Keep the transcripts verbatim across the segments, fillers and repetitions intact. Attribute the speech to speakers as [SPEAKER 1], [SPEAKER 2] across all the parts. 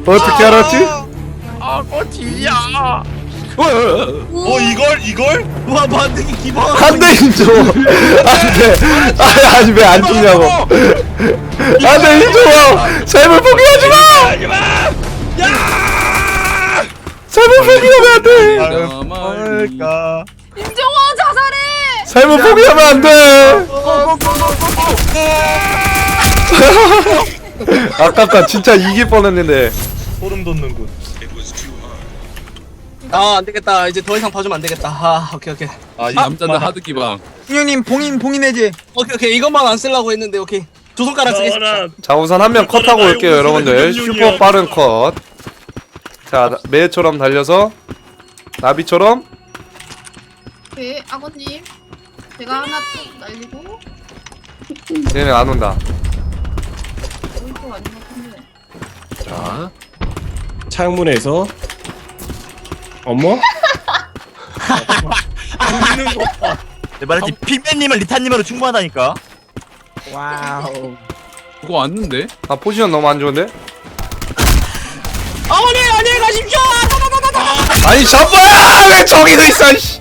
[SPEAKER 1] 어떻게 알았지?
[SPEAKER 2] 아 꽃이야.
[SPEAKER 3] 어 이걸 이걸?
[SPEAKER 2] 와 반응이 기본.
[SPEAKER 1] 안돼 인조. 안돼. 아니 아니 왜 안 죽냐고. 안돼 인조. 삶을 포기하지 마.
[SPEAKER 2] 하지마. 야.
[SPEAKER 1] 삶을 포기하면 안 돼.
[SPEAKER 3] 뭘까?
[SPEAKER 4] 임종원 자살해.
[SPEAKER 1] 삶을 포기하면 안 돼. 아깝다. 진짜 이길 뻔했는데.
[SPEAKER 3] 소름 돋는군.
[SPEAKER 2] 아 안되겠다. 이제 더 이상 봐주면 안되겠다. 아 오케이 오케이.
[SPEAKER 3] 아, 이
[SPEAKER 5] 남자들 하드 기방.
[SPEAKER 6] 형님 봉인 봉인해지.
[SPEAKER 2] 오케이 오케이 이것만 안 쓰려고 했는데 오케이. 두 손가락 쓰겠습니다.
[SPEAKER 1] 자 우선 한 명 컷하고 올게요 여러분들. 슈퍼 빠른 컷. 자 매처럼 달려서 나비처럼.
[SPEAKER 4] 네, 아버님. 제가 하나 뚝 날리고
[SPEAKER 1] 얘네 안 온다.
[SPEAKER 4] 오른쪽 아닌 것 같은데.
[SPEAKER 7] 자 창문에서 어머?
[SPEAKER 3] 내 말했지 핑맨님은 리타님으로 충분하다니까.
[SPEAKER 6] 와우.
[SPEAKER 5] 그거 왔는데?
[SPEAKER 1] 아 포지션 너무 안 좋은데?
[SPEAKER 2] 어머니 안녕히 가십시오.
[SPEAKER 1] 아니 저거야 왜 저기도 있어 이씨.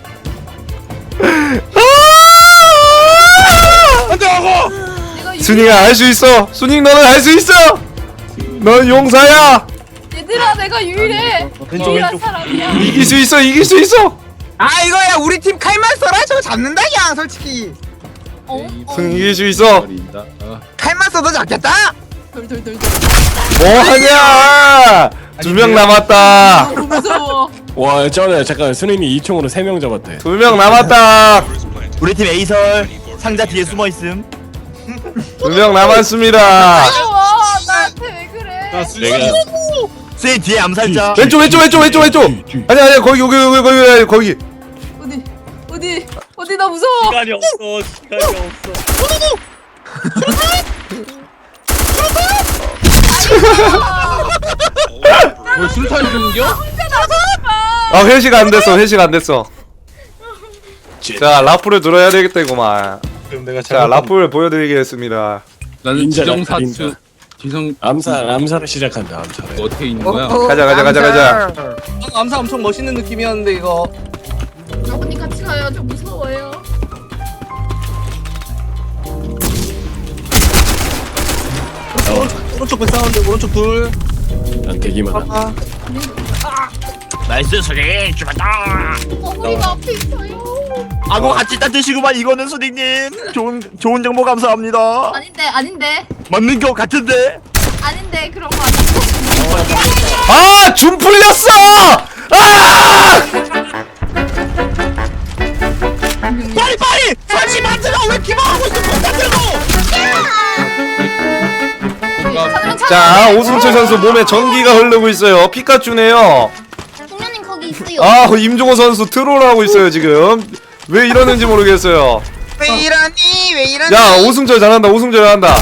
[SPEAKER 2] 안돼하고.
[SPEAKER 4] 내가 유...
[SPEAKER 1] 순이가 할 수 있어. 순이 너는 할 수 있어. 넌 용사야.
[SPEAKER 4] 얘들아 내가 유일해.
[SPEAKER 3] 왼쪽,
[SPEAKER 4] 유일한
[SPEAKER 3] 왼쪽.
[SPEAKER 4] 사람이야.
[SPEAKER 1] 이길 수 있어. 이길 수 있어.
[SPEAKER 6] 아 이거야 우리 팀 칼만 써라 저거 잡는다 야 솔직히.
[SPEAKER 4] 어? 어?
[SPEAKER 1] 순 이길 수 있어.
[SPEAKER 5] 버린다. 어.
[SPEAKER 6] 칼만 써도 잡겠다.
[SPEAKER 4] 돌돌돌돌.
[SPEAKER 1] 뭐 하냐? 두 명 남았다.
[SPEAKER 4] 너무 무서워.
[SPEAKER 7] 와 쩌네 잠깐 순임이 이 총으로 세 명 잡았대.
[SPEAKER 1] 두 명 남았다.
[SPEAKER 3] 우리 팀 에이설 상자 뒤에 숨어 있음.
[SPEAKER 1] 두 명 남았습니다.
[SPEAKER 4] 무서워. 나한테 왜 그래?
[SPEAKER 7] 내가
[SPEAKER 3] 쇠 뒤에 암살자.
[SPEAKER 1] 왼쪽 왼쪽 왼쪽 왼쪽 왼쪽. 아니 아니 거기 여기 여기 거기 거기.
[SPEAKER 4] 어디 어디 어디 나 무서워.
[SPEAKER 3] 시간이 없어. 시간이 없어.
[SPEAKER 5] 뭘 술탄 공격?
[SPEAKER 1] 아 회식 안 됐어. 회식 안 됐어. 자 라프를 들어야 되겠다구만.
[SPEAKER 3] 그럼 내가
[SPEAKER 1] 자 라프를 보여드리겠습니다.
[SPEAKER 5] 나는
[SPEAKER 7] 인자다,
[SPEAKER 5] 지정사추.
[SPEAKER 7] 인자.
[SPEAKER 5] 지성
[SPEAKER 7] 암살 암살을 시작한다 암살을.
[SPEAKER 5] 어떻게 있는 거야?
[SPEAKER 1] 가자, 가자, 가자, 가자.
[SPEAKER 2] 아, 암사 엄청 멋있는 느낌이었는데 이거.
[SPEAKER 4] 아버님 같이 가요. 저 무서워요.
[SPEAKER 2] 오른쪽 오른쪽 배 사운드 오른쪽 둘.
[SPEAKER 7] 난 대기만 함.
[SPEAKER 2] 아,
[SPEAKER 3] 나이스 소리 죽었다.
[SPEAKER 4] 어머니가 앞에 있어요.
[SPEAKER 3] 아고 같이 따뜻이구만 이거는 소리님. 좋은 좋은 정보 감사합니다.
[SPEAKER 4] 아닌데 아닌데
[SPEAKER 3] 맞는 거 같은데.
[SPEAKER 4] 아닌데 그런 거 아니고.
[SPEAKER 1] 아 줌 풀렸어. 아!
[SPEAKER 3] 빨리 빨리 설치 만들어. 왜 기방하고 있어? 못 만들고.
[SPEAKER 1] 자 오승철 선수 몸에 전기가 흐르고 있어요. 피카츄네요.
[SPEAKER 4] 동료님 거기 있어요.
[SPEAKER 1] 아 임종호 선수 트롤하고 있어요 지금. 왜 이러는지 모르겠어요.
[SPEAKER 6] 왜 이러니 왜 이러니.
[SPEAKER 1] 야 오승철 잘한다. 오승철 잘한다.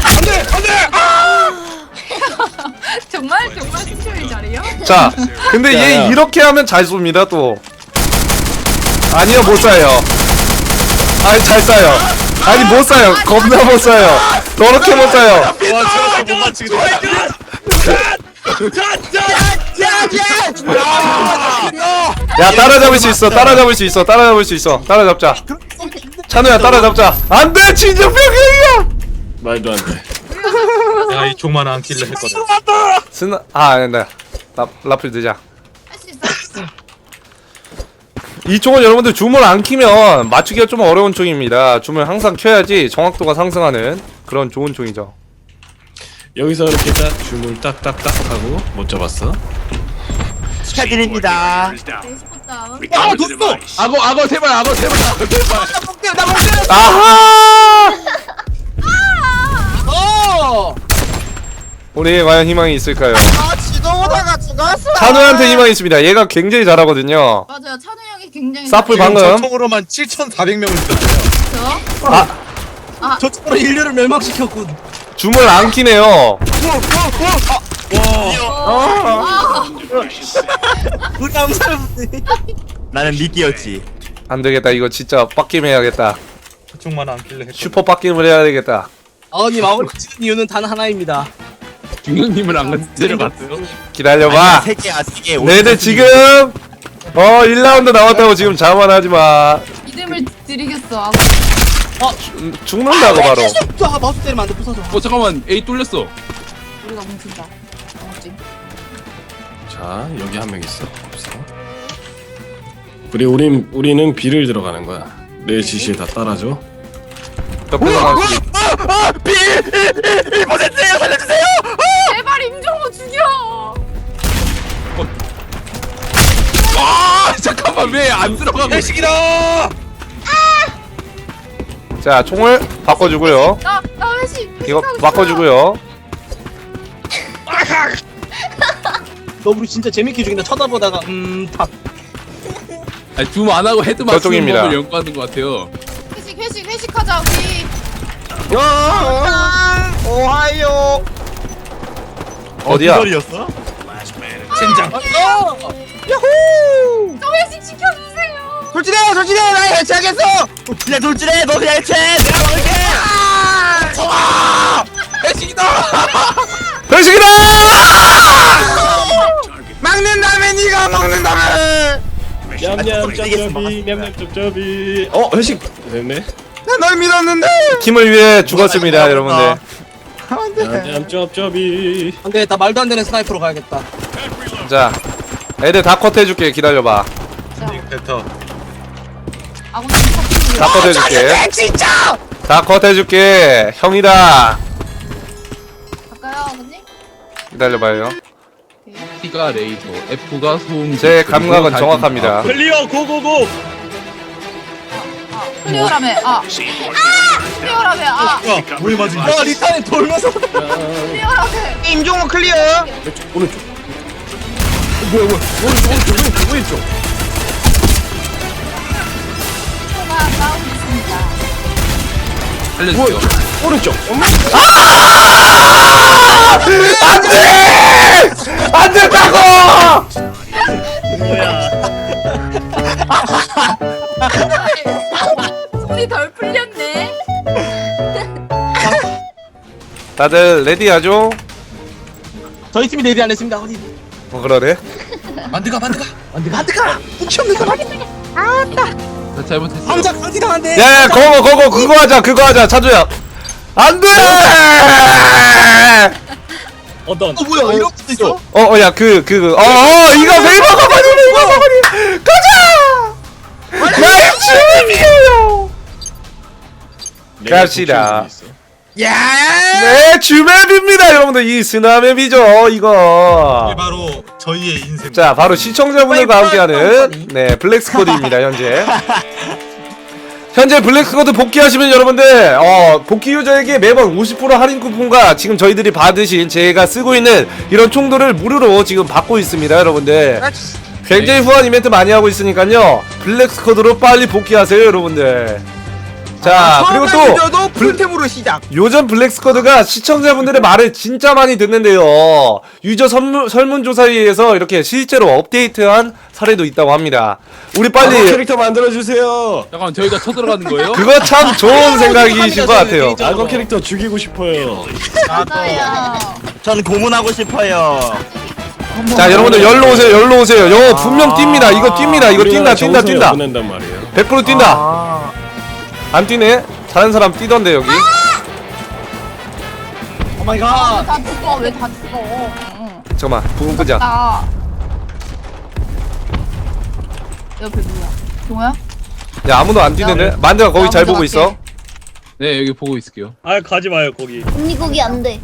[SPEAKER 4] 정말 정말 승철이 잘해요?
[SPEAKER 1] 자 근데
[SPEAKER 7] 야,
[SPEAKER 1] 얘
[SPEAKER 7] 야.
[SPEAKER 1] 이렇게 하면 잘 쏩니다 또. 아니요 못 쏴요. 아니 잘 쏴요. 아니 못 쏴요. 겁나 못 쏴요. 더럽게 못 쏴요.
[SPEAKER 3] 와 저거 못 맞추게
[SPEAKER 1] 야 따라잡을 수 있어. 따라잡을 수 있어. 따라잡을 수 있어. 따라잡자. 찬우야 따라잡자. 안돼 진정병이야.
[SPEAKER 7] 말도 안 돼.
[SPEAKER 3] 내가 이 총만 안 킬러 했거든.
[SPEAKER 1] 스나 아 아니다. 라 라플 드자.
[SPEAKER 4] 할 수 있어.
[SPEAKER 1] 이 총은 여러분들 줌을 안 키면 맞추기가 좀 어려운 총입니다. 줌을 항상 켜야지 정확도가 상승하는 그런 좋은 총이죠.
[SPEAKER 7] 여기서 이렇게 딱 줌을 딱딱딱 하고 못 잡았어.
[SPEAKER 3] 축하드립니다.
[SPEAKER 4] 에스포 다운.
[SPEAKER 2] 아 뒀어.
[SPEAKER 5] 악어 악어 세발 악어 세발 악어 세발.
[SPEAKER 2] 나 먹게.
[SPEAKER 1] 아하!
[SPEAKER 2] 어.
[SPEAKER 1] 우리 과연 희망이 있을까요?
[SPEAKER 6] 아 지도보다가 죽었어.
[SPEAKER 1] 찬우한테 희망이 있습니다. 얘가 굉장히 잘하거든요.
[SPEAKER 4] 맞아요. 찬우 형이 굉장히
[SPEAKER 1] 사플
[SPEAKER 4] 잘해요.
[SPEAKER 1] 방금
[SPEAKER 3] 총으로만 칠천사백 명을 죽였어요.
[SPEAKER 4] 저
[SPEAKER 2] 저쪽으로 인류를 멸망시켰군.
[SPEAKER 1] 줌을 안 키네요.
[SPEAKER 2] 우리 암살.
[SPEAKER 3] 나는 미끼였지.
[SPEAKER 1] 안 되겠다. 이거 진짜 빡김 해야겠다.
[SPEAKER 3] 그 총만 안 킬러 했거든.
[SPEAKER 1] 슈퍼 빡김을 해야 되겠다.
[SPEAKER 2] 아버님 아버님 찍은 이유는 단 하나입니다.
[SPEAKER 5] 중형님을 안 데려갔어요?
[SPEAKER 1] 기다려봐.
[SPEAKER 3] 세 개야 세 개.
[SPEAKER 1] 너희들 지금 어 일 라운드 남았다고 지금 자만하지마.
[SPEAKER 4] 이름을 드리겠어. 아,
[SPEAKER 1] 음, 죽는다고 바로.
[SPEAKER 2] 아 마우스 때리면 안돼 부서져.
[SPEAKER 5] 어 잠깐만 A 뚫렸어.
[SPEAKER 4] 우리가 뭉친다. 어찌?
[SPEAKER 7] 자 여기 한 명 있어. 없어. 우리 우린 우리는 B를 들어가는 거야. 내 지시에 다 따라줘.
[SPEAKER 1] 옆에서 나올 수 있-
[SPEAKER 3] 아! 비! 일 퍼센트예요 살려주세요!
[SPEAKER 4] 제발 임종호 죽여.
[SPEAKER 5] 아 잠깐만 왜 안 들어가고?
[SPEAKER 2] 회식이다.
[SPEAKER 1] 자 총을 바꿔주고요.
[SPEAKER 4] 나나 회식.
[SPEAKER 1] 이거
[SPEAKER 4] 회식하고
[SPEAKER 1] 바꿔주고요.
[SPEAKER 2] 너 우리 진짜 재밌게 죽인다. 쳐다보다가 음 탁.
[SPEAKER 5] 아니 줌 안 하고 헤드 맞추는
[SPEAKER 1] 저쪽입니다.
[SPEAKER 5] 법을 연구하는 것 같아요.
[SPEAKER 4] 있어. 회식 회식 회식하자 우리.
[SPEAKER 6] 야, 오하이오.
[SPEAKER 1] 어디야?
[SPEAKER 3] 기다렸어?
[SPEAKER 2] 젠장.
[SPEAKER 6] 야호!
[SPEAKER 4] 저 회식 시켜주세요.
[SPEAKER 6] 돌진해, 돌진해, 나 해체하겠어.
[SPEAKER 3] 그냥 돌진해 너 그냥 해체 내가 막을게! 아!
[SPEAKER 5] 회식이다.
[SPEAKER 1] 회식이다!
[SPEAKER 6] 막는다면 네가 먹는다면.
[SPEAKER 7] 냠냠 짭짭이 냠냠 짭짭이. 어 회식 됐네.
[SPEAKER 6] 나널 믿었는데.
[SPEAKER 1] 팀을 위해 죽었습니다, 여러분들.
[SPEAKER 7] 냠냠 짭짭이.
[SPEAKER 2] 안돼 나 말도 안 되는 스나이퍼로 가야겠다.
[SPEAKER 1] 자, 애들 다 컷해줄게. 기다려봐.
[SPEAKER 7] 됐다.
[SPEAKER 4] 아군님 사투리.
[SPEAKER 1] 다 컷해줄게.
[SPEAKER 6] 진짜.
[SPEAKER 1] 다 컷해줄게. 형이다.
[SPEAKER 4] 갈까요 아버님?
[SPEAKER 1] 기다려봐요.
[SPEAKER 5] T가 레이저, F가 소음.
[SPEAKER 1] 제 감각은 정확합니다.
[SPEAKER 7] 클리어 고고고.
[SPEAKER 4] 클리어라며. 아. 아! 클리어라며. 아.
[SPEAKER 3] 뭘 맞은
[SPEAKER 2] 야 리타에 돌면서.
[SPEAKER 4] 클리어라며.
[SPEAKER 6] 임종호 클리어.
[SPEAKER 7] 오른쪽.
[SPEAKER 4] 초가 싸우고 있습니다.
[SPEAKER 5] 알려주세요.
[SPEAKER 7] 오른쪽.
[SPEAKER 1] 안돼! 안 된다고!
[SPEAKER 4] 손이 덜 풀렸네.
[SPEAKER 1] 다들 레디하죠?
[SPEAKER 2] 저희 팀이 레디 안 했습니다. 어디?
[SPEAKER 1] 어 그러네.
[SPEAKER 2] 만드가 만드가 만드가 만드가. 혹시 없는 사람?
[SPEAKER 5] 나 잘못했어.
[SPEAKER 2] 황자 강티 당한데.
[SPEAKER 1] 야야 그거 그거 그거 하자 그거 하자 차주야. 안돼!
[SPEAKER 7] 어떤?
[SPEAKER 2] 어 뭐야 이런 것도 있어?
[SPEAKER 1] 어야 그 그 어 어 이거 베이버 가버리 베이버 가버리 가자! 나의 주맵이에요. 갑시다.
[SPEAKER 6] 야.
[SPEAKER 1] 네 주맵입니다 여러분들. 이 스나맵이죠 이거.
[SPEAKER 3] 바로 저희의 인생
[SPEAKER 1] 자 바로 시청자분들과 함께하는 네 블랙스쿼드입니다 현재. 현재 블랙스쿼드 복귀하시면 여러분들 어 복귀 유저에게 매번 오십 퍼센트 할인 쿠폰과 지금 저희들이 받으신 제가 쓰고 있는 이런 총들을 무료로 지금 받고 있습니다 여러분들. 굉장히 후한 이벤트 많이 하고 있으니까요 블랙스쿼드로 빨리 복귀하세요 여러분들. 자 그리고 또
[SPEAKER 6] 풀템으로 시작.
[SPEAKER 1] 요즘 블랙스쿼드가 시청자분들의 말을 진짜 많이 듣는데요. 유저 설문, 설문조사에 의해서 이렇게 실제로 업데이트한 사례도 있다고 합니다. 우리 빨리
[SPEAKER 7] 악어 캐릭터 만들어 주세요.
[SPEAKER 5] 잠깐만 저희가 쳐들어가는 거예요?
[SPEAKER 1] 그거 참 좋은 생각이신 것 같아요.
[SPEAKER 7] 악어 캐릭터 죽이고 싶어요.
[SPEAKER 4] 맞아요.
[SPEAKER 3] 저는 고문하고 싶어요.
[SPEAKER 1] 자 여러분들 열로 오세요 열로 오세요. 요 분명 뜁니다. 이거 뛴니다. 이거 뛴다 뛴다 뛴다.
[SPEAKER 7] 보낸단 말이에요.
[SPEAKER 1] 백 퍼센트 뛴다. 안 뛰네? 다른 사람 뛰던데 여기.
[SPEAKER 2] 오 마이
[SPEAKER 4] 아,
[SPEAKER 2] 갓.
[SPEAKER 4] 다 죽어. 왜 다 죽어? 응.
[SPEAKER 1] 잠깐만 부금 끄자.
[SPEAKER 4] 나. 옆에 누구야? 동호야?
[SPEAKER 1] 야 아무도 안 뛰는데? 만드가 거기
[SPEAKER 4] 나
[SPEAKER 1] 잘
[SPEAKER 4] 먼저
[SPEAKER 1] 보고 있어.
[SPEAKER 5] 네 여기 보고 있을게요.
[SPEAKER 7] 아 가지 마요 거기.
[SPEAKER 8] 언니 거기 안 돼.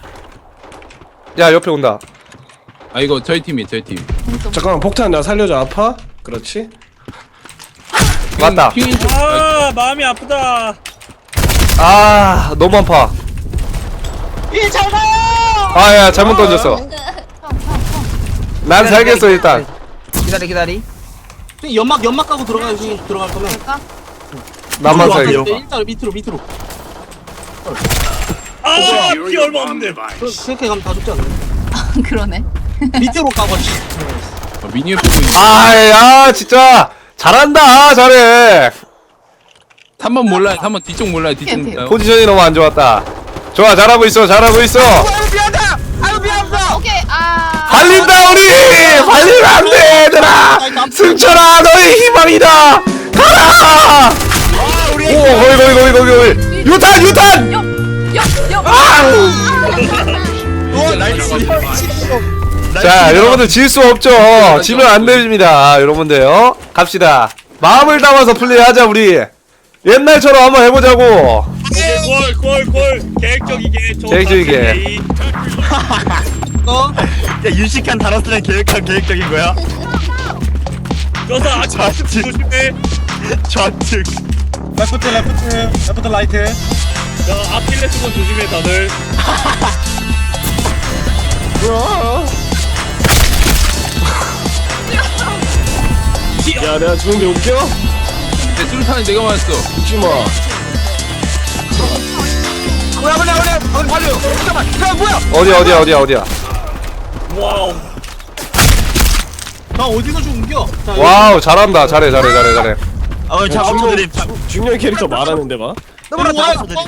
[SPEAKER 1] 야 옆에 온다.
[SPEAKER 5] 아 이거 저희 팀이 저희 팀.
[SPEAKER 7] 잠깐만 폭탄 나 살려줘. 아파? 그렇지.
[SPEAKER 1] 맞다.
[SPEAKER 5] 핑인 좀.
[SPEAKER 7] 아 마음이 아프다.
[SPEAKER 1] 아 너무 아파.
[SPEAKER 2] 일잘 가요.
[SPEAKER 1] 아야 잘못 던졌어. 난 살겠어 일단.
[SPEAKER 6] 기다리 기다리.
[SPEAKER 2] 형님, 연막 연막 까고 들어가요. 형님 들어갈 거면.
[SPEAKER 4] 될까?
[SPEAKER 1] 나만
[SPEAKER 3] 누구
[SPEAKER 1] 살겠어.
[SPEAKER 3] 앞에요?
[SPEAKER 2] 일단 밑으로 밑으로.
[SPEAKER 7] 아피 얼마 없는데.
[SPEAKER 2] 그- 그렇게 가면 다 죽지 않나요?
[SPEAKER 4] 그러네.
[SPEAKER 2] 밑으로 까고.
[SPEAKER 5] 아, 미니맵 보고 있는.
[SPEAKER 1] 아야 진짜 잘한다 잘해.
[SPEAKER 5] 삼 번 몰라요. 삼 번 뒤쪽 몰라요. 뒤쪽
[SPEAKER 4] 오케이, 오케이.
[SPEAKER 5] 몰라요.
[SPEAKER 1] 포지션이 너무 안 좋았다. 좋아 잘하고 있어 잘하고 있어.
[SPEAKER 6] 아유 미안하다. 아유
[SPEAKER 4] 오케이. 아.
[SPEAKER 1] 발린다 우리. 발리면 안돼 얘들아. 승철아 너의 희망이다. 가라. 오 거기 거기 거기 거기 거기. 유탄 유탄.
[SPEAKER 4] 옆. 옆. 옆.
[SPEAKER 1] 자 여러분들 질 수 없죠. 지면 안 됩니다 여러분들요. 갑시다. 마음을 담아서 플레이하자 우리. 옛날처럼 한번 해보자고.
[SPEAKER 3] 골골골 계획적이게 좋은
[SPEAKER 1] 계획적이게.
[SPEAKER 3] 플레이.
[SPEAKER 2] 어?
[SPEAKER 3] 야 유식한 단어 쓰는 계획한 계획적인 거야? 저서 좌측 조심해. 좌측.
[SPEAKER 8] 레프트 레프트 레프트 라이트.
[SPEAKER 3] 저 아킬레스건 조심해 다들.
[SPEAKER 7] 야 내가 죽은데 웃겨?
[SPEAKER 5] 내 수류탄이 내가 맞았어.
[SPEAKER 7] 웃지마.
[SPEAKER 6] 뭐야 뭐야 뭐야 뭐야 발려 잠깐만 야 뭐야
[SPEAKER 1] 어디야 어디야 어디야 어디야.
[SPEAKER 3] 와우.
[SPEAKER 2] 나 어디서 죽은겨? 자,
[SPEAKER 1] 와우 잘한다. 잘해 잘해 잘해 잘해.
[SPEAKER 3] 아 오늘 작업들이
[SPEAKER 7] 중년 캐릭터 말하는데 봐.
[SPEAKER 6] 너무나
[SPEAKER 2] 여기
[SPEAKER 6] 다
[SPEAKER 2] 와.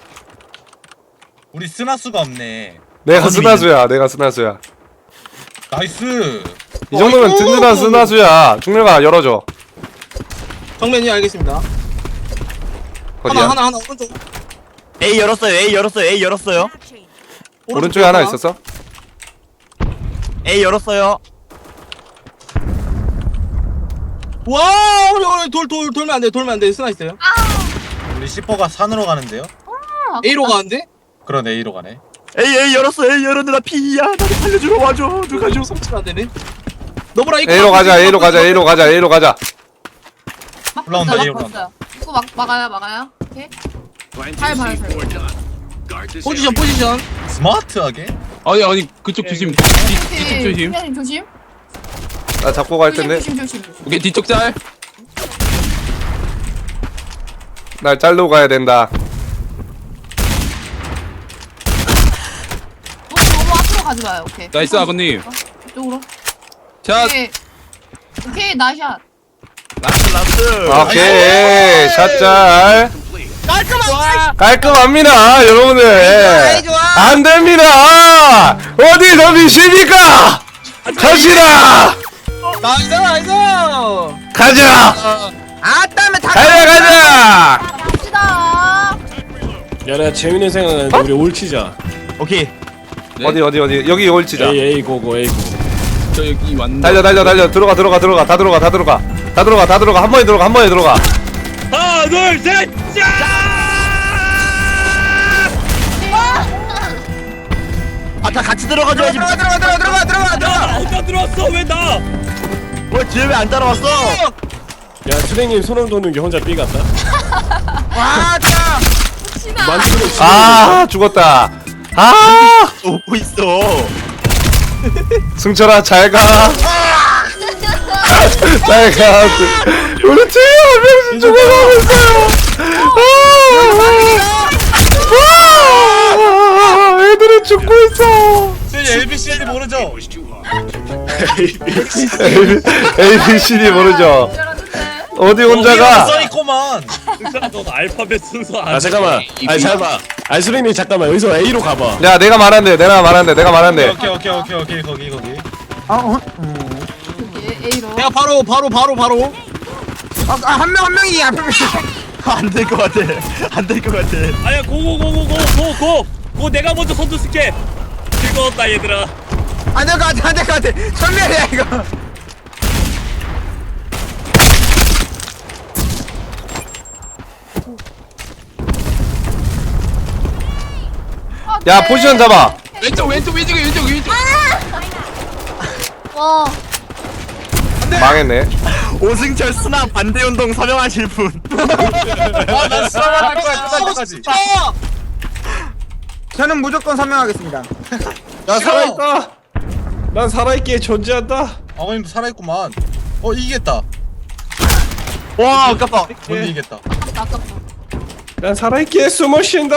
[SPEAKER 8] 우리 스나수가 없네.
[SPEAKER 1] 내가 스나수야. 내가 스나수야.
[SPEAKER 8] 나이스.
[SPEAKER 1] 이 정도면 든든한 스나수야. 중렬아 열어줘.
[SPEAKER 2] 정면이 알겠습니다.
[SPEAKER 1] 어디야?
[SPEAKER 2] 하나 하나 하나 오른쪽.
[SPEAKER 3] A 열었어요. A 열었어요. A 열었어요.
[SPEAKER 1] 오른쪽에 하나 있었어?
[SPEAKER 3] A 열었어요.
[SPEAKER 2] 와, 우리 우리 돌돌 돌면 안 돼. 돌면 안 돼. 스나 있어요.
[SPEAKER 8] 우리 시퍼가 산으로 가는데요?
[SPEAKER 2] A로 가는데?
[SPEAKER 8] 그런 A로 가네.
[SPEAKER 3] A A 열었어. A 열었는데 나 B야. 나도 살려주러 와줘. 누가 줘.
[SPEAKER 2] 성취가 안 되네. 너보라 이거
[SPEAKER 1] A로 가자. A로 가자. A로 가자. A로 가자.
[SPEAKER 8] 올라온다,
[SPEAKER 4] 막았어요,
[SPEAKER 8] 얘 올라온다.
[SPEAKER 4] 막았어요. 이거 막 막아요, 막아요. 오케이. 잘 봐주세요.
[SPEAKER 2] 포지션 포지션.
[SPEAKER 8] 스마트하게?
[SPEAKER 5] 아니 아니 그쪽 조심. 뒤, 뒤쪽 조심.
[SPEAKER 4] 팀장님 조심.
[SPEAKER 1] 나 잡고 갈 텐데.
[SPEAKER 4] 조심, 조심, 조심.
[SPEAKER 5] 오케이 뒤쪽 짤.
[SPEAKER 1] 날 잘로 가야 된다.
[SPEAKER 4] 너무 너무 앞으로 가지 마요. 오케이.
[SPEAKER 5] 나이스 아버님.
[SPEAKER 4] 이쪽으로.
[SPEAKER 5] 자
[SPEAKER 4] 오케이. 오케이 나샷.
[SPEAKER 3] 라스 라스.
[SPEAKER 1] 오케이. 샷잘.
[SPEAKER 2] 깔끔한.
[SPEAKER 1] 깔끔합니다. 여러분들. 안 됩니다. 어디 덤비십니까? 갑시다.
[SPEAKER 2] 나이스 나이스.
[SPEAKER 1] 가자.
[SPEAKER 6] 아따면 다
[SPEAKER 1] 가자 가자.
[SPEAKER 4] 갑시다.
[SPEAKER 7] 야 내가 재밌는 생각 나는데 우리 올치자.
[SPEAKER 3] 오케이.
[SPEAKER 5] 네?
[SPEAKER 1] 어디 어디 어디 여기 올치자.
[SPEAKER 7] A A 고고 A 고.
[SPEAKER 5] 저 여기 왔는데.
[SPEAKER 1] 달려 달려 달려 들어가 들어가 들어가 다 들어가 다 들어가 다 들어가 다 들어가 한 번에 들어가 한 번에 들어가.
[SPEAKER 3] 하나 둘 셋. 아다 같이 들어가줘야지.
[SPEAKER 6] 들어가 들어가 들어가 들어가 들어가 들어가
[SPEAKER 3] 혼자 들어왔어 왜 나? 왜 뒤에 왜 안 따라왔어?
[SPEAKER 7] 야 수댕님 손을 도는 게 혼자 B 같다.
[SPEAKER 6] 와자
[SPEAKER 4] 혹시나.
[SPEAKER 7] 만지고 있어.
[SPEAKER 1] 아 죽었다. 아
[SPEAKER 3] 오고 있어.
[SPEAKER 1] 승철아 잘가. 잘가. 우리 팀 한 명씩 죽어가고 있어요. 아, 아, 애들이 죽고 있어.
[SPEAKER 8] 쟤 에이비씨디 모르죠?
[SPEAKER 1] A B C D 모르죠. 어디 혼자가?
[SPEAKER 8] 써있고만.
[SPEAKER 3] 너 알파벳 순서
[SPEAKER 7] 아 잠깐만. 아니 잠깐만. 아니 수댕님 잠깐만 여기서 A로 가봐.
[SPEAKER 1] 야 내가 말한대. 내가 말한대. 내가 말한대.
[SPEAKER 8] 오케이 오케이 오케이 오케이 거기 거기.
[SPEAKER 4] A로.
[SPEAKER 2] 내가 바로 바로 바로 바로.
[SPEAKER 6] 한 명 한 명이 앞에
[SPEAKER 3] 안될 것 같아. 안 될 것 같아. 아야 고고고고고고고 고 내가 먼저 선두 쓸게. 즐거웠다 얘들아.
[SPEAKER 6] 안될 것 같아 안될 것 같아 천멸이야 이거
[SPEAKER 1] 야 포지션 잡아.
[SPEAKER 5] 왼쪽 왼쪽 왼쪽 왼쪽 왼쪽.
[SPEAKER 4] 와.
[SPEAKER 1] 망했네.
[SPEAKER 3] 오승철 스나 반대 운동 서명하실 분.
[SPEAKER 8] 아난 수학할 거야 끝날 때까지.
[SPEAKER 6] 저는 무조건 설명하겠습니다
[SPEAKER 7] 나 살아있다. 난 살아있기에 존재한다.
[SPEAKER 8] 아버님도 살아있구만. 어 이기겠다.
[SPEAKER 3] 와 아깝다.
[SPEAKER 8] 못 이기겠다.
[SPEAKER 4] 아깝다.
[SPEAKER 7] 난 살아있기에 숨을 쉰다.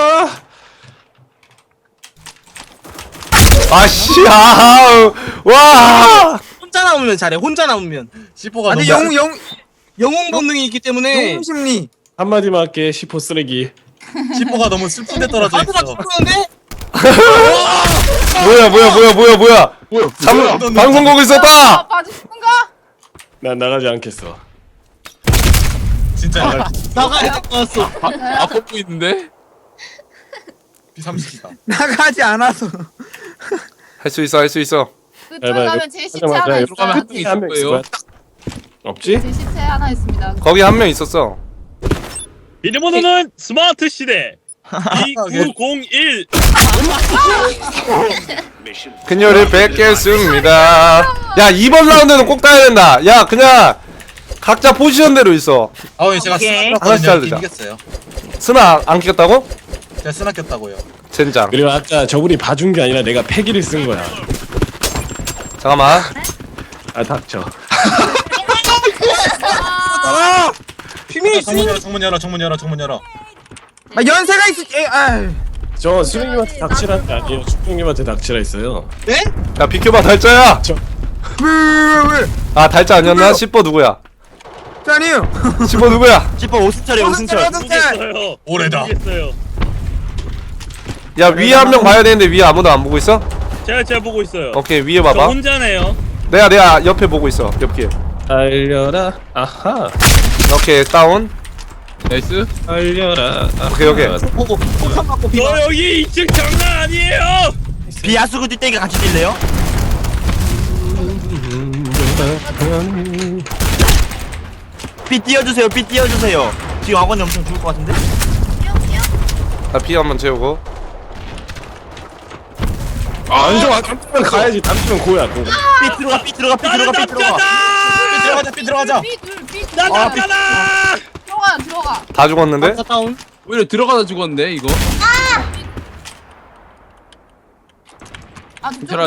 [SPEAKER 1] 아씨 아 와.
[SPEAKER 2] 혼자 남으면 잘해. 혼자 남으면.
[SPEAKER 8] 시퍼가
[SPEAKER 6] 아니
[SPEAKER 8] 너무.
[SPEAKER 6] 영웅 영웅
[SPEAKER 2] 영웅 본능이 있기 때문에.
[SPEAKER 6] 영웅 심리
[SPEAKER 7] 한마디만 할게. 시포 쓰레기.
[SPEAKER 8] 시퍼가 너무 슬픈데 떨어져
[SPEAKER 2] 나도 다
[SPEAKER 8] 있어.
[SPEAKER 2] 죽었는데?
[SPEAKER 1] 뭐야 뭐야 뭐야 뭐야 뭐야
[SPEAKER 7] 뭐야?
[SPEAKER 1] 잠 방송 보고 있었다.
[SPEAKER 4] 아, 봐주신가?
[SPEAKER 7] 난 나가지 않겠어.
[SPEAKER 8] 진짜 나
[SPEAKER 2] 나가야 될 것 같았어.
[SPEAKER 5] 아 뻗고 있는데?
[SPEAKER 8] 비 삼십이다.
[SPEAKER 6] 나가지 않아서.
[SPEAKER 1] 할 수 있어 할 수 있어.
[SPEAKER 4] 그쪽에
[SPEAKER 7] 해봐요.
[SPEAKER 4] 가면 제 시체
[SPEAKER 7] 하자마자
[SPEAKER 4] 하나
[SPEAKER 7] 이렇게
[SPEAKER 4] 있어요.
[SPEAKER 5] 가면 한
[SPEAKER 7] 한명 있을 거야. 딱. 없지?
[SPEAKER 4] 제 시체 하나 있습니다.
[SPEAKER 1] 거기 한 명 있었어.
[SPEAKER 3] 비밀번호는 스마트 시대 이구공일.
[SPEAKER 1] 그녀를 뵙겠습니다. 야 이번 라운드는 꼭 따야 된다. 야 그냥 각자 포지션대로 있어.
[SPEAKER 8] 아, 왜 제가
[SPEAKER 6] 오케이.
[SPEAKER 8] 스나
[SPEAKER 1] 하나씩
[SPEAKER 8] 꼈거든요.
[SPEAKER 1] 자르자.
[SPEAKER 8] 이겼어요.
[SPEAKER 1] 스나 안 꼈다고?
[SPEAKER 8] 제가 스나 꼈다고요.
[SPEAKER 1] 젠장.
[SPEAKER 7] 그리고 아까 저분이 봐준 게 아니라 내가 패기를 쓴 거야.
[SPEAKER 1] 잠깐만.
[SPEAKER 7] 아 닥쳐.
[SPEAKER 4] 아,
[SPEAKER 6] 비밀
[SPEAKER 8] 정문 열어, 정문 열어, 정문 열어, 정문 열어.
[SPEAKER 6] 아 연세가 있을 에 아.
[SPEAKER 7] 저 수령님한테 닥치라는 게 아니에요. 수령님한테 닥치라 했어요.
[SPEAKER 1] 야 비켜봐 달짜야.
[SPEAKER 6] 왜왜왜
[SPEAKER 1] 아 달짜 아니었나? 씨뽀 누구야?
[SPEAKER 6] 아니요.
[SPEAKER 1] 씨뽀 누구야?
[SPEAKER 3] 지퍼 오승철이 오승철.
[SPEAKER 6] 오승철.
[SPEAKER 3] 모르겠어요.
[SPEAKER 8] 오래다.
[SPEAKER 3] 모르겠어요.
[SPEAKER 1] 야 위에 한 명 봐야 되는데 위에 아무도 안 보고 있어?
[SPEAKER 3] 제가 제가 보고 있어요.
[SPEAKER 1] 오케이 위에
[SPEAKER 3] 저
[SPEAKER 1] 봐봐.
[SPEAKER 3] 혼자네요.
[SPEAKER 1] 내가 내가 옆에 보고 있어. 옆길.
[SPEAKER 7] 달려라. 아하.
[SPEAKER 1] 오케이 다운.
[SPEAKER 5] 나이스.
[SPEAKER 7] 달려라. 아하.
[SPEAKER 1] 오케이 오케이.
[SPEAKER 6] 보고 폭탄 맞고 비.
[SPEAKER 3] 저 여기 이 층 장난 아니에요.
[SPEAKER 2] 비아스고 뛸때가 같이 뛸래요? 삐 띄워주세요. 삐 띄워주세요. 지금 학원이 엄청 죽을 것 같은데?
[SPEAKER 1] 나 피 한번 채우고.
[SPEAKER 7] 아, 안 좋아. 담치면 가야지. 담치면 고야. 고.
[SPEAKER 2] 삐 들어가. 삐 들어가. 삐
[SPEAKER 3] 나는
[SPEAKER 2] 들어가. 삐 들어가.
[SPEAKER 8] 삐 들어가자, 삐 들어가자.
[SPEAKER 4] 삐둘삐
[SPEAKER 3] 나
[SPEAKER 4] 들어가.
[SPEAKER 3] 남자다.
[SPEAKER 4] 들어가 들어가.
[SPEAKER 1] 다 죽었는데?
[SPEAKER 2] 다운.
[SPEAKER 5] 오히려 들어가다 죽었는데 이거.
[SPEAKER 4] 아 저쪽.
[SPEAKER 5] 괜찮아.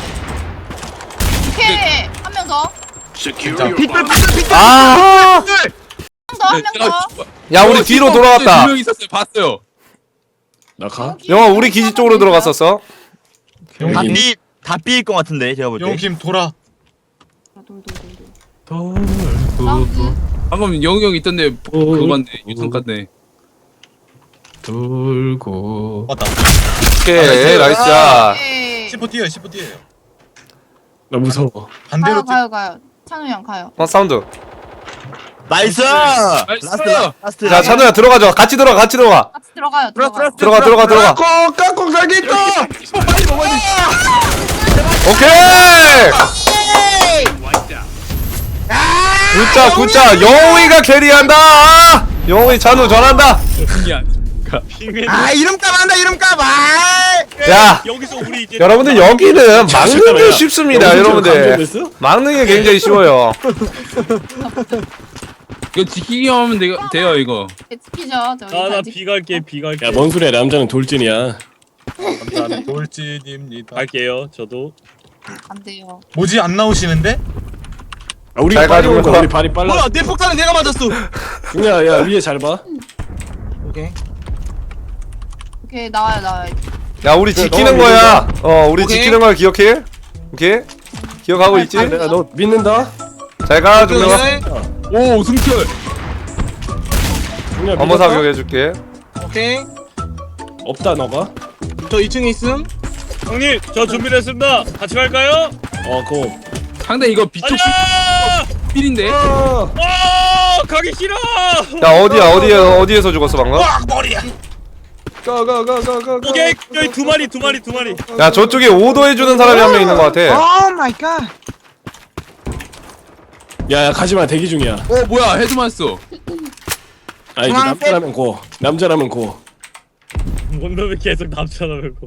[SPEAKER 4] 오케이 한 명 더.
[SPEAKER 8] 진짜.
[SPEAKER 6] 빗돌 빗돌 빗돌.
[SPEAKER 1] 아!
[SPEAKER 4] 한 명 더 한 명 더.
[SPEAKER 1] 야 우리 뒤로 돌아갔다.
[SPEAKER 5] 두명 있었어요. 봤어요.
[SPEAKER 7] 나 가?
[SPEAKER 1] 영화 우리 기지 쪽으로 들어갔었어.
[SPEAKER 7] 여기.
[SPEAKER 2] 다 삐, 다 삐일 것 같은데, 제가 볼 때.
[SPEAKER 8] 용킴 돌아.
[SPEAKER 4] 사운드.
[SPEAKER 5] 방금 영희 형 있던데 그거 봤네. 유턴 갔네.
[SPEAKER 7] 돌고.
[SPEAKER 8] 맞다.
[SPEAKER 1] 오케이 나이스 샷.
[SPEAKER 4] 오케이.
[SPEAKER 8] 십오 뛰어요, 십오 뛰어요.
[SPEAKER 7] 나 무서워.
[SPEAKER 8] 반대로
[SPEAKER 4] 가요
[SPEAKER 8] 뛰.
[SPEAKER 4] 가요 가요. 찬우 형 가요.
[SPEAKER 1] 어 사운드.
[SPEAKER 2] 나이스!
[SPEAKER 5] 나이스!
[SPEAKER 2] 라스트, 라- 라스트.
[SPEAKER 1] 자 찬우야 들어가자. 같이 들어가 같이 들어가.
[SPEAKER 4] 같이 들어가요.
[SPEAKER 6] 들어
[SPEAKER 4] 들어가.
[SPEAKER 6] 들어
[SPEAKER 1] 들어가 들어가 들어가.
[SPEAKER 6] 깍꿍 깍꿍 살기 있다.
[SPEAKER 1] 오케이. 굿자 굿자 영웅이가 캐리한다. 영웅이 찬우 전한다.
[SPEAKER 5] 신기 아니까.
[SPEAKER 6] 아 이름값 한다 이름값. 아.
[SPEAKER 1] 야
[SPEAKER 3] 여기서 우리 이제
[SPEAKER 1] 여러분들 여기는 막는 게 쉽습니다 여러분들.
[SPEAKER 7] 감정됐어?
[SPEAKER 1] 막는 게 굉장히 쉬워요.
[SPEAKER 5] 이거 지키기만 하면 돼, 돼요 이거.
[SPEAKER 4] 지키죠. 저기
[SPEAKER 3] 아나
[SPEAKER 4] 잘 지키-
[SPEAKER 3] 비 갈게 비 갈게.
[SPEAKER 7] 야, 뭔 소리야? 남자는 돌진이야.
[SPEAKER 8] 감사합니다. 돌진입니다.
[SPEAKER 3] 갈게요. 저도.
[SPEAKER 4] 안 돼요.
[SPEAKER 8] 뭐지 안 나오시는데?
[SPEAKER 7] 아, 우리
[SPEAKER 1] 잘
[SPEAKER 7] 빨리
[SPEAKER 1] 가지고
[SPEAKER 7] 온다.
[SPEAKER 1] 가.
[SPEAKER 7] 우리 발이 빨라.
[SPEAKER 2] 뭐야, 내 폭탄은 내가 맞았어.
[SPEAKER 7] 야, 야, 위에 잘 봐.
[SPEAKER 6] 오케이.
[SPEAKER 4] 오케이 나와요 나와요.
[SPEAKER 1] 야 우리 지키는
[SPEAKER 7] 너무
[SPEAKER 1] 거야. 어 우리
[SPEAKER 2] 오케이.
[SPEAKER 1] 지키는 걸 기억해. 오케이. 기억하고 있지?
[SPEAKER 7] 내가 너 믿는다.
[SPEAKER 1] 잘가 준영아.
[SPEAKER 5] 오 승철.
[SPEAKER 7] 중요한
[SPEAKER 1] 어머
[SPEAKER 7] 믿었다?
[SPEAKER 1] 사격 해줄게.
[SPEAKER 2] 오케이.
[SPEAKER 7] 없다 너가.
[SPEAKER 2] 저 이 층에 있음.
[SPEAKER 3] 형님 저 준비됐습니다. 같이 갈까요?
[SPEAKER 7] 어, 그거.
[SPEAKER 5] 상대 이거 비쪽
[SPEAKER 3] 아니야.
[SPEAKER 5] 필인데.
[SPEAKER 7] 어.
[SPEAKER 3] 아 가기 싫어.
[SPEAKER 1] 야 어디야 어디에 어디에서 죽었어 방금?
[SPEAKER 7] 가, 가, 가, 가, 가.
[SPEAKER 3] 오케이 여기 두 마리 두 마리 두 마리.
[SPEAKER 1] 야 저쪽에 오더 해주는 사람이 한 명 있는 것 같아.
[SPEAKER 6] 오 마이 갓.
[SPEAKER 7] 야, 야, 가지마. 대기 중이야.
[SPEAKER 5] 어 뭐야 헤드 맞았어.
[SPEAKER 7] 아, 이제
[SPEAKER 6] 중앙색.
[SPEAKER 7] 남자라면 고. 남자라면 고.
[SPEAKER 3] 뭔 놈이 계속 남쳐나고.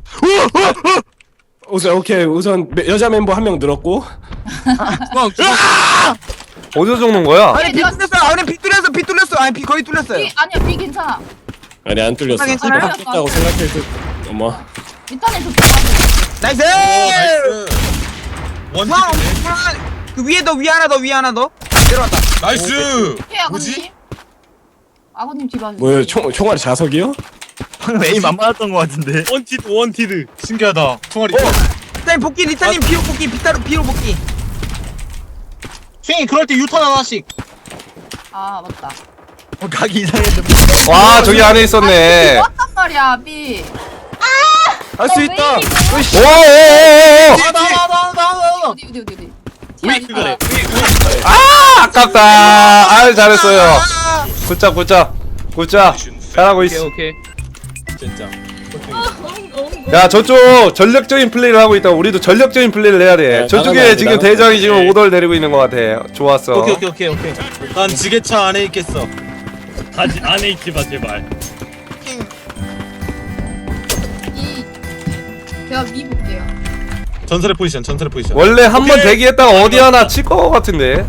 [SPEAKER 7] 우선 오케이. 우선 매- 여자 멤버 한 명 늘었고.
[SPEAKER 5] 중앙 중앙.
[SPEAKER 1] 어디서 죽는 거야?
[SPEAKER 6] 아니 비 뚫렸어. 아니 비 뚫렸어. 비 뚫렸어. 아니 비 거의 뚫렸어요.
[SPEAKER 4] 비 아니야 비 괜찮아.
[SPEAKER 7] 아니 안 뚫렸어.
[SPEAKER 6] 아, 괜찮아요?
[SPEAKER 7] 뚫렸다고 생각해서. 어머.
[SPEAKER 4] 밑단에 좋다.
[SPEAKER 6] 나이스.
[SPEAKER 8] 나이스. 원
[SPEAKER 6] 와,
[SPEAKER 8] 찍네.
[SPEAKER 6] 엄청- 그 위에 더 위에 하나 더 위에 하나 더. 내려왔다.
[SPEAKER 8] 나이스.
[SPEAKER 4] 오케이
[SPEAKER 8] 뭐지?
[SPEAKER 4] 아버님. 아버님 뒤봐주세요.
[SPEAKER 7] 뭐야? 총 총알이 자석이요?
[SPEAKER 2] 방금 에임 안 맞았던 것 같은데.
[SPEAKER 3] 원티드 원티드.
[SPEAKER 8] 신기하다. 총알이.
[SPEAKER 6] 리타님 복귀 리타님 비로 복귀 비타로 비로 복귀.
[SPEAKER 2] 쉥이 그럴 때 유턴 하나씩.
[SPEAKER 4] 아 맞다.
[SPEAKER 2] 어, 가기 이상했는데.
[SPEAKER 1] 와 저기 안에 있었네.
[SPEAKER 4] 왔단 말이야 비.
[SPEAKER 7] 할 수 있다. 으이씨.
[SPEAKER 1] 오오오오.
[SPEAKER 2] 아, 나와 나와 나와 나와.
[SPEAKER 4] 어디 어디 어디 어디.
[SPEAKER 3] 우리 그거래.
[SPEAKER 1] 아 아깝다. 아유 잘했어요. 굿잡 굿잡 굿잡 잘하고
[SPEAKER 5] 오케이
[SPEAKER 1] 있어.
[SPEAKER 5] 오케이.
[SPEAKER 2] 진짜.
[SPEAKER 1] 야 저쪽 전력적인 플레이를 하고 있다. 우리도 전력적인 플레이를 해야 돼.
[SPEAKER 7] 네,
[SPEAKER 1] 저쪽에
[SPEAKER 7] 나가야지,
[SPEAKER 1] 지금
[SPEAKER 7] 나가야지.
[SPEAKER 1] 대장이 지금 오더를 내리고 있는 것 같아. 좋았어.
[SPEAKER 2] 오케이 오케이 오케이 오케이. 난 지게차 안에 있겠어.
[SPEAKER 3] 가지 안에 있지 마 제발.
[SPEAKER 4] 이 제가 미 볼게요.
[SPEAKER 2] 전설의 포지션 전설의 포지션.
[SPEAKER 1] 원래 한 번
[SPEAKER 2] 오케이.
[SPEAKER 1] 대기했다가 어디 하나 칠 것 같은데.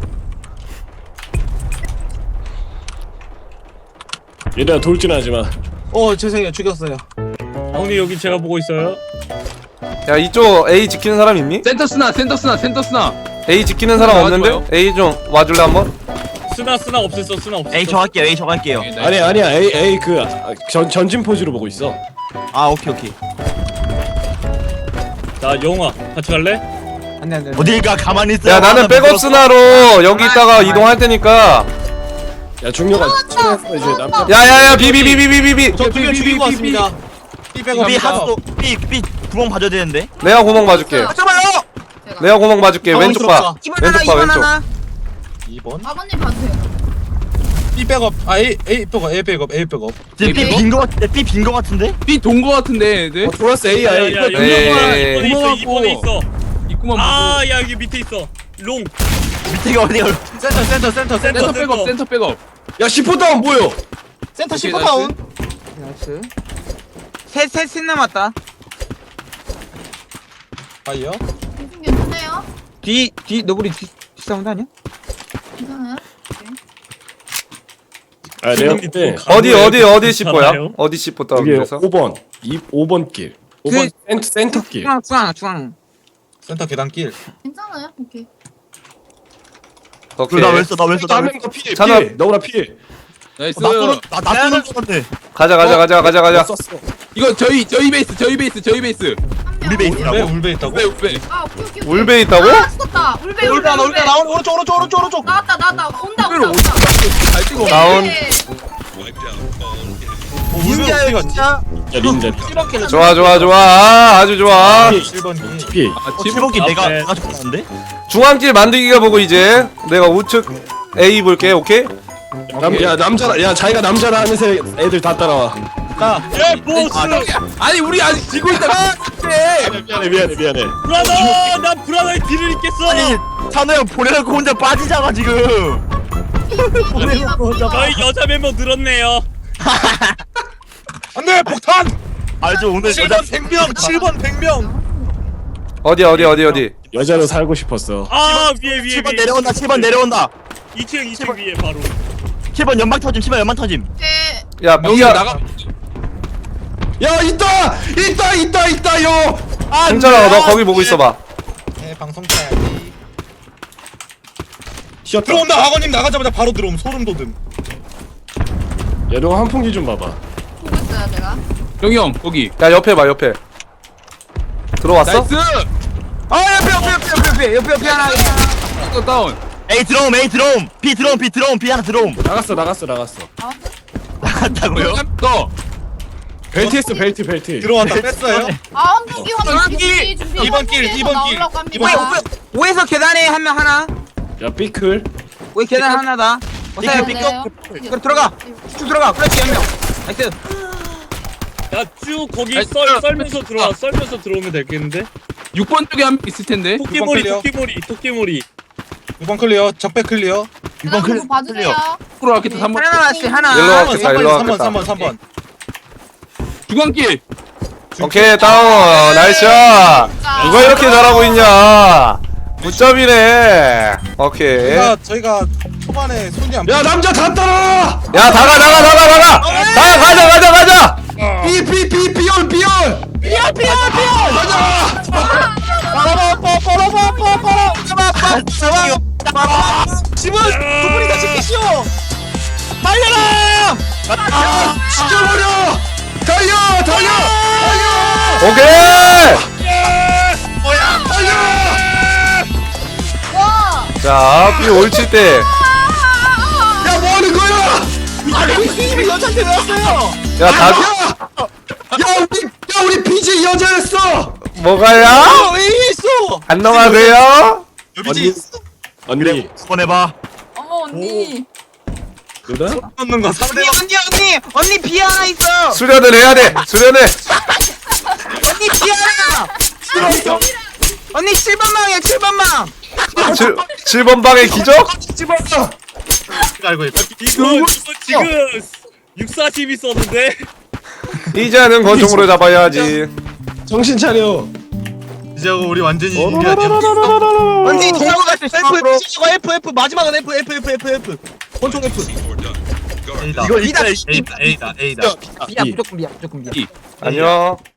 [SPEAKER 7] 얘들아 돌진하지 마.
[SPEAKER 2] 어 죄송해요 죽였어요.
[SPEAKER 3] 형님 여기 제가 보고 있어요.
[SPEAKER 1] 야 이쪽 A 지키는 사람 있니?
[SPEAKER 5] 센터 스나 센터 스나 센터 스나.
[SPEAKER 1] A 지키는 사람 없는데?
[SPEAKER 5] 좋아요.
[SPEAKER 1] A 좀 와줄래 한번?
[SPEAKER 3] 스나 스나 없앴어 스나 없앴어.
[SPEAKER 6] 에이 저 할게요 에이 저 할게요
[SPEAKER 7] 아니야 아니야. 에이 에이 그 아, 전 전진 포즈로 보고 있어.
[SPEAKER 6] 아 오케이 오케이
[SPEAKER 3] 자 영화 같이 갈래?
[SPEAKER 2] 안돼 안돼.
[SPEAKER 6] 어딜 가 가만히 있어
[SPEAKER 1] 야 나는 백업 스나로 여기 있다가 이동할 테니까.
[SPEAKER 7] 야 중요가 친해서 이제 남자.
[SPEAKER 1] 야야야 비비비비비비비.
[SPEAKER 2] 저두개 죽이고 왔습니다. B 백업
[SPEAKER 6] 삐
[SPEAKER 2] B
[SPEAKER 6] 하수도 삐삐 구멍 봐줘야 되는데
[SPEAKER 1] 내가 구멍 봐줄게.
[SPEAKER 6] 잠깐만요
[SPEAKER 4] 제가.
[SPEAKER 1] 내가 구멍 봐줄게. 왼쪽 봐.
[SPEAKER 6] 이번 하나
[SPEAKER 1] 왼쪽 봐
[SPEAKER 6] 이번
[SPEAKER 1] 왼쪽.
[SPEAKER 6] 하나
[SPEAKER 2] 이 번.
[SPEAKER 4] 아버님 봐주세요.
[SPEAKER 2] B 백업. 아 A A 백업 A 백업 A 백업.
[SPEAKER 6] 삐빈거 같은데 삐빈거 같은데
[SPEAKER 5] B돈거 같은데 얘들.
[SPEAKER 7] 어 돌았어 에이
[SPEAKER 3] 야야
[SPEAKER 7] 에이.
[SPEAKER 3] 야
[SPEAKER 1] 에이.
[SPEAKER 3] 이번에 있어 이번에 있어.
[SPEAKER 5] 입구만 보고.
[SPEAKER 3] 아야 여기 밑에 있어. 롱.
[SPEAKER 6] 밑에가 어디가
[SPEAKER 2] 센터 센터 센터 센터
[SPEAKER 5] 센터 백업 센터 백업.
[SPEAKER 7] 야 십 호 다운 보여.
[SPEAKER 2] 센터
[SPEAKER 5] 오케이,
[SPEAKER 2] 십 호 다운.
[SPEAKER 6] 나이스 셋셋셋 남았다
[SPEAKER 2] 아이요.
[SPEAKER 4] 무슨 괜찮아요?
[SPEAKER 6] 뒤뒤 너구리 뒤 뒷사운드 아니야?
[SPEAKER 4] 괜찮아요? 오케이.
[SPEAKER 7] 아 내가 그때
[SPEAKER 1] 어디 어디 어디 씹어야?
[SPEAKER 3] 괜찮아요?
[SPEAKER 1] 어디 씹어 다운
[SPEAKER 7] 여기
[SPEAKER 1] 그래서?
[SPEAKER 7] 오 번 이 오 번 길. 오 번 센터 센터 길.
[SPEAKER 6] 중앙 중앙 중앙
[SPEAKER 2] 센터 계단길.
[SPEAKER 4] 괜찮아요? 오케이.
[SPEAKER 1] 오케이.
[SPEAKER 6] 나왜 써? 나왜 써?
[SPEAKER 7] 한
[SPEAKER 6] 나왜
[SPEAKER 7] 명더 피해.
[SPEAKER 1] 찬아.
[SPEAKER 7] 피해. 너구나 피해.
[SPEAKER 5] 나이스.
[SPEAKER 6] 나 쏘는 나나 쏘는 거 같네
[SPEAKER 1] 가자 가자 가자 가자 가자.
[SPEAKER 7] 썼어.
[SPEAKER 5] 이거 저희 저희 베이스 저희 베이스 저희 베이스.
[SPEAKER 4] 한 명.
[SPEAKER 6] 우리
[SPEAKER 2] 왜
[SPEAKER 6] 베이스라고?
[SPEAKER 2] 울베 있다고?
[SPEAKER 5] 왜 왜?
[SPEAKER 4] 아 오케이 오케이. 오케이.
[SPEAKER 1] 울베 있다고?
[SPEAKER 4] 아 죽었다. 울베 울베
[SPEAKER 2] 울베 울베 나온 오른쪽 오른쪽 오른쪽 오른쪽.
[SPEAKER 4] 나왔다 나왔다. 온다
[SPEAKER 5] 울베를
[SPEAKER 4] 온다 온다.
[SPEAKER 5] 잘 찍어.
[SPEAKER 1] 다운.
[SPEAKER 4] 네.
[SPEAKER 6] 진짜요 진짜
[SPEAKER 7] 야 린자.
[SPEAKER 1] 좋아 좋아 좋아. 아, 아주 좋아.
[SPEAKER 2] 칠 번 길.
[SPEAKER 7] 피해.
[SPEAKER 5] 아,
[SPEAKER 6] 칠번기 내가
[SPEAKER 3] 앞에.
[SPEAKER 6] 내가 좋았는데
[SPEAKER 1] 중앙길 만들기가 보고 이제 내가 우측 A 볼게. 오케이?
[SPEAKER 7] 남, 야 남자라. 야 자기가 남자라 하면서 애들 다 따라와.
[SPEAKER 2] 자.
[SPEAKER 3] 야 보스.
[SPEAKER 5] 아니 우리 아직 지고 있다.
[SPEAKER 7] 미안해 미안해 미안해.
[SPEAKER 3] 브라더 난 브라더의 뒤를 잇겠어.
[SPEAKER 6] 아니 찬호 형 보내놓고 혼자 빠지잖아 지금
[SPEAKER 3] 저희 여자 멤버 늘었네요.
[SPEAKER 2] 안돼 폭탄.
[SPEAKER 6] 알죠 오늘
[SPEAKER 2] 칠
[SPEAKER 6] 여자
[SPEAKER 2] 번 백 명 칠 번 백 명.
[SPEAKER 1] 어디 어디 어디 어디?
[SPEAKER 7] 여자로 살고 싶었어.
[SPEAKER 3] 아 위에 위에
[SPEAKER 6] 칠 번
[SPEAKER 3] 위에.
[SPEAKER 6] 내려온다 칠 번 내려온다
[SPEAKER 3] 이 층 이 층 위에 바로.
[SPEAKER 6] 칠 번 연막 터짐 칠 번 연막 터짐
[SPEAKER 4] 오케이.
[SPEAKER 1] 야
[SPEAKER 5] 여기
[SPEAKER 1] B야.
[SPEAKER 5] 나가.
[SPEAKER 7] 야 있다 있다 있다 있다 요. 아
[SPEAKER 1] 괜찮아. 너 거기 보고 있어봐.
[SPEAKER 2] 네 방송 타야지.
[SPEAKER 7] 쉬었다.
[SPEAKER 2] 들어온다 학원님 나가자마자 바로 들어옴 소름 돋음.
[SPEAKER 7] 야 너 한풍기 좀 봐봐.
[SPEAKER 4] 보고 있어요 제가.
[SPEAKER 5] 영희 형 거기.
[SPEAKER 1] 야 옆에 봐 옆에. 들어왔어?
[SPEAKER 5] 나이스.
[SPEAKER 6] 아 옆에 옆에 옆에 옆에 옆에 옆에 옆에 하나
[SPEAKER 5] 또 다운.
[SPEAKER 6] A 들어옴 A 들어옴 B 들어옴 B 들어옴 B 하나 들어옴
[SPEAKER 7] 나갔어 나갔어 나갔어.
[SPEAKER 4] 아
[SPEAKER 6] 나갔다고요?
[SPEAKER 5] 또.
[SPEAKER 7] 벨트 했어 벨트 벨트.
[SPEAKER 2] 들어왔다 뺐어요.
[SPEAKER 4] 아 환풍기 환풍기 준비 준비.
[SPEAKER 2] 이번 길, 이번 길,
[SPEAKER 4] 나오려고
[SPEAKER 2] 이번
[SPEAKER 4] 합니다.
[SPEAKER 2] 길.
[SPEAKER 6] 오에서 계단에 한 명 하나
[SPEAKER 7] 야 삐클.
[SPEAKER 6] 오에 계단 하나다 어서요
[SPEAKER 4] 네.
[SPEAKER 6] 그럼 들어가 쭉 들어가 그렇지 한명 나이스
[SPEAKER 3] 야쭉 거기
[SPEAKER 5] 아니,
[SPEAKER 3] 썰
[SPEAKER 5] 썰-
[SPEAKER 3] 썰면서 들어와 썰면서 들어오면 되겠는데?
[SPEAKER 5] 육 번 쪽에 한 명 있을 텐데.
[SPEAKER 3] 토끼머리
[SPEAKER 2] 클리어.
[SPEAKER 3] 토끼머리 토끼머리.
[SPEAKER 2] 육 번 클리어. 적배 클리어.
[SPEAKER 6] 이번 클
[SPEAKER 4] 그거 봐주세요.
[SPEAKER 5] 프로 라켓 삼 번.
[SPEAKER 6] 하나 남았지
[SPEAKER 1] 일로
[SPEAKER 6] 하나
[SPEAKER 1] 와.
[SPEAKER 2] 삼 번
[SPEAKER 1] 겠다, 일로
[SPEAKER 2] 삼 번
[SPEAKER 1] 왔겠다.
[SPEAKER 2] 삼 번 삼 번.
[SPEAKER 5] 중앙길.
[SPEAKER 1] 오케이 다운. 나이스 샷. 누가 이렇게 잘하고 있냐? 굿잡이네. 오케이.
[SPEAKER 2] 저희가 저희가 초반에 손이 안.
[SPEAKER 7] 야 남자 다 따라.
[SPEAKER 1] 야 나가 나가 나가 나가. 가 가자 가자 가자.
[SPEAKER 7] 삐삐삐 삐올 삐올.
[SPEAKER 6] 피어 피어 피어
[SPEAKER 7] 가자.
[SPEAKER 2] 집은 두 분이 다 지키시오.
[SPEAKER 6] 달려라
[SPEAKER 7] 죽여버려. 달려 달려 달려
[SPEAKER 1] 오케이.
[SPEAKER 7] 달려.
[SPEAKER 4] 와.
[SPEAKER 1] 자 B 올칠 때.
[SPEAKER 7] 야 뭐하는 거야?
[SPEAKER 6] 아니 팀이 여자한테 왜 왔어요
[SPEAKER 1] 야 다.
[SPEAKER 7] 야 우리 야 우리 비지 여자였어.
[SPEAKER 1] 뭐가요?
[SPEAKER 2] 왜 있어?
[SPEAKER 1] 안녕하세요.
[SPEAKER 8] 여비지
[SPEAKER 7] 언니
[SPEAKER 3] 꺼내봐.
[SPEAKER 4] 어머 언니.
[SPEAKER 7] 누나?
[SPEAKER 8] 넣는 거
[SPEAKER 6] 언니
[SPEAKER 8] 상대방
[SPEAKER 6] 언니 언니 언니 비 하나 있어.
[SPEAKER 1] 수련을 해야 돼. 수련해.
[SPEAKER 6] 언니 비 하나. 언니 칠 번 망이야 칠 번 망.
[SPEAKER 1] 칠 번 방의 기적?
[SPEAKER 8] 알고 있다.
[SPEAKER 3] 이거 이거 지금 육사십이 썼는데.
[SPEAKER 1] 이제는 권총으로 잡아야지.
[SPEAKER 7] 정신 차려.
[SPEAKER 8] 이제 우리 완전히 이게 아니야.
[SPEAKER 6] 언니 동호 같은
[SPEAKER 2] F
[SPEAKER 6] 심으로.
[SPEAKER 2] F 이거 F F 마지막은 F F F F F. 권총 F.
[SPEAKER 8] A다.
[SPEAKER 3] 이거 이따
[SPEAKER 8] A다 A다 A다.
[SPEAKER 6] 비야 무조건 비야 무조건 비야.
[SPEAKER 1] 안녕.